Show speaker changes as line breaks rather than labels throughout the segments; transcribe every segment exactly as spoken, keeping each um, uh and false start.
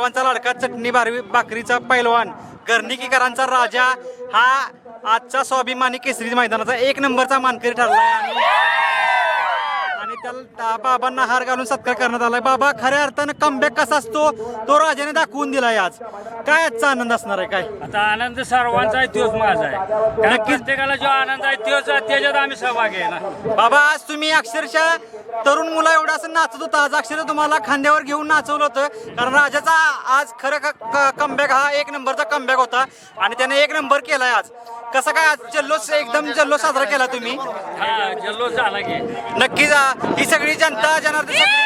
सर्वांचा लाडका चटणी बारवी भाकरीचा पैलवान गर्णिकीकरांचा राजा हा आजचा स्वाभिमानी केसरी मैदानाचा एक नंबरचा मानकरी ठरलाय आणि आणि त्याला बाबांना हार घालून सत्कार करण्यात आलाय। बाबा खऱ्या अर्थानं कमबॅक कसा असतो तो राजाने दाखवून दिलाय आज। काय आजचा आनंद असणार आहे? काय
आता आनंद सर्वांचा आहे तोच माझा आहे। नक्कीच प्रत्येकाला जो आनंद आहे तोच त्याच्यात आम्ही सहभागी आहे ना।
बाबा आज तुम्ही अक्षरशः तरुण मुला एवढा असं नाचत होता, आज अक्षरशः तुम्हाला खांद्यावर घेऊन नाचवलं होतं, कारण राजाचा आज खरं कमबॅक हा एक नंबरचा कमबॅक होता आणि त्याने एक नंबर केलाय आज। कसं काय आज जल्लोष एकदम जल्लोष साजरा केला तुम्ही?
हा जल्लोष झाला की
नक्कीच ही सगळी जनता जनार्दन सगळी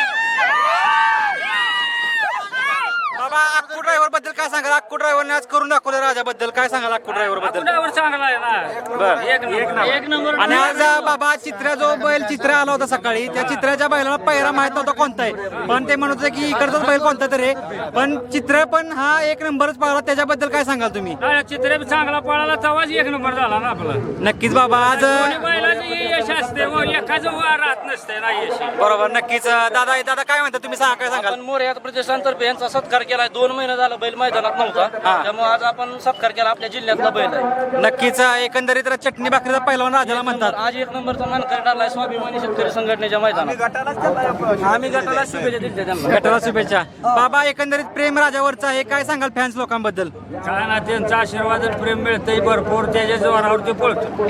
बाबा अक्कू ड्रायव्हर बद्दल काय सांगाल? अक्कू ड्रायव्हरने आज करून दाखवलं राजाबद्दल, काय सांगाल अक्कू ड्रायव्हर बद्दल?
ड्रायव्हर चांगला आहे ना।
बर
एक नंबर एक नंबर
आणि आज बाबा चित्रा जो बैल चित्रा आला होता सकाळी, त्या चित्राच्या बैलाला पहिरा माहित नव्हता कोणता आहे, पण ते म्हणत होते की इकडचाच बैल कोणता तरी, पण चित्र पण हा एक नंबरच पाळला, त्याच्याबद्दल काय सांगाल तुम्ही?
चित्र चांगला पळाला तेव्हाच एक नंबर झाला ना आपला।
नक्कीच बाबा आज
बैलाचं यश असते एकाच राहत नसते ना यश।
बरोबर नक्कीच दादा दादा काय म्हणता तुम्ही? सांगा काय सांगाल?
आपण मोरया प्रतिष्ठानतर्फे यांचा सत्कार केलाय। दोन महिने झाला बैल मैदानात नव्हता, त्यामुळे आज आपण सत्कार केला। आपल्या जिल्ह्यातला बैल आहे।
नक्कीच एकंदरीत चटणी भाकरीचा पहिलवान राजाला म्हणतात।
आज एक नंबरचा मानकरी ठरलाय स्वाभिमानी शेतकरी संघटनेच्या मैदानात। आम्ही गटाला शुभेच्छा दिल्या त्यांना।
गटाला शुभेच्छा। बाबा एकंदरीत प्रेम राजावरचा आहे, काय सांगाल फॅन्स लोकांबद्दल?
काय ना त्यांचा आशीर्वाद प्रेम मिळतंय भरपूर, त्याच्या जोरावर ते पळतो।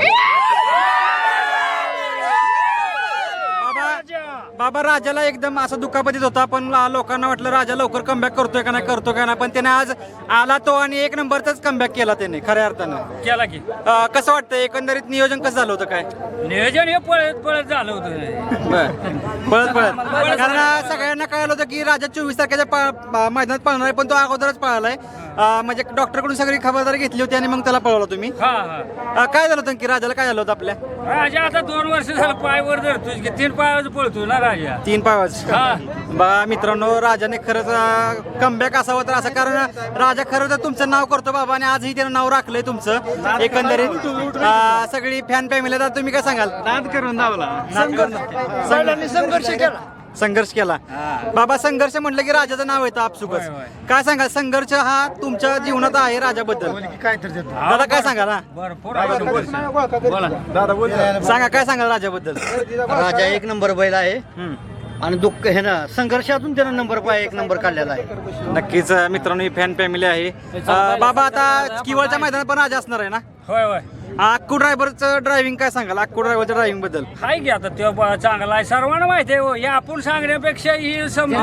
बाबा राजाला एकदम असं दुखापतीत होता, पण लोकांना वाटलं राजा लवकर कमबॅक करतोय का नाही करतो का नाही, पण त्याने आज आला तो आणि एक नंबरचाच कमबॅक केला त्याने खऱ्या अर्थानं
केला की
अं, कसं वाटतं एकंदरीत नियोजन कसं झालं होतं? काय
नियोजन हे पळत पळत झालं होतं।
पळत पळत कारण सगळ्यांना कळलं होतं की राजा चोवीस तारखेच्या पा- मैदानात पळणार आहे, पण तो अगोदरच पळालाय। अं, म्हणजे डॉक्टरकडून सगळी खबरदारी घेतली होती आणि मग त्याला पळवलं तुम्ही।
हा हा
अं, काय झालं होतं की राजाला काय झालं होतं आपल्या?
राजा आता दोन वर्ष झालं पायवर धरतोय की तीन पायावर पळतोय ना राजा।
तीन पावाज
हा
बघा मित्रांनो, राजाने खरंच कमबॅक असावं तर असं, कारण राजा खरं तर तुमचं नाव करतो बाबा आणि आजही त्यानं नाव राखलंय तुमचं। एकंदरीत अं, सगळी फॅन फॅमिली, तर तुम्ही काय सांगाल?
नाद करून धावला,
संघर्ष केला संघर्ष केला बाबा। संघर्ष म्हटलं की राजाचं नाव येतं आपसुकच। काय सांगाल संघर्ष हा तुमच्या जीवनात आहे राजाबद्दल? दादा काय सांगाल? हा
भरपूर
सांगा काय सांगाल राजाबद्दल?
राजा एक नंबर बैल आहे आणि दुःख हे ना संघर्षातून त्यानं नंबर पाय एक नंबर काढलेला आहे।
नक्कीच मित्रांनो ही फॅन फॅमिली आहे। अं, बाबा आता किवळच्या मैदानात पण राजा असणार आहे ना?
होय होय
अक्कू ड्रायव्हरचं ड्रायव्हिंग काय सांगाल? अक्कू ड्रायव्हरच्या ड्रायव्हिंग बद्दल?
हाय की आता तो ब- चांगला आहे, सर्वांना माहिती आहे हो। हे आपण सांगण्यापेक्षा ही समजून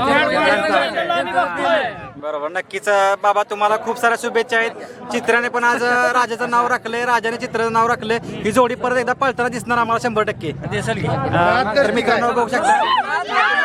बरोबर नक्कीच बाबा तुम्हाला खूप साऱ्या शुभेच्छा आहेत। चित्राने पण आज राजाचं नाव राखलंय, राजाने चित्राचं नाव राखलंय। ही जोडी परत एकदा पळताना दिसणार आम्हाला शंभर टक्के
दिसेल की
अं, तर मित्रांनो बघू शकता